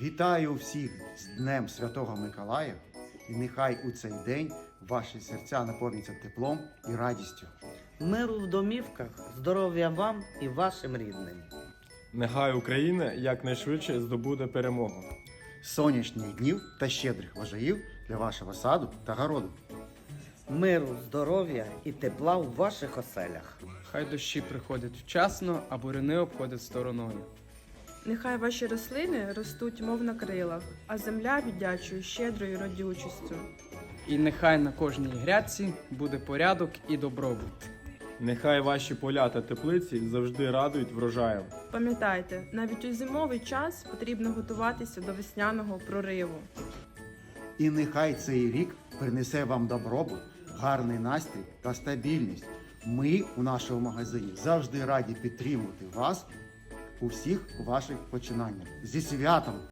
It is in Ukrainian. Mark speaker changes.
Speaker 1: Вітаю всіх з Днем Святого Миколая, і нехай у цей день ваші серця наповняться теплом і радістю.
Speaker 2: Миру в домівках, здоров'я вам і вашим рідним.
Speaker 3: Нехай Україна якнайшвидше здобуде перемогу.
Speaker 1: Сонячних днів та щедрих врожаїв для вашого саду та городу.
Speaker 2: Миру, здоров'я і тепла у ваших оселях.
Speaker 4: Хай дощі приходять вчасно, а буряни обходять стороною.
Speaker 5: Нехай ваші рослини ростуть, мов на крилах, а земля віддячує щедрою родючістю.
Speaker 4: І нехай на кожній грядці буде порядок і добробут.
Speaker 3: Нехай ваші поля та теплиці завжди радують врожаєм.
Speaker 5: Пам'ятайте, навіть у зимовий час потрібно готуватися до весняного прориву.
Speaker 1: І нехай цей рік принесе вам добробут, гарний настрій та стабільність. Ми у нашому магазині завжди раді підтримувати вас у всіх ваших починаннях. Зі святом!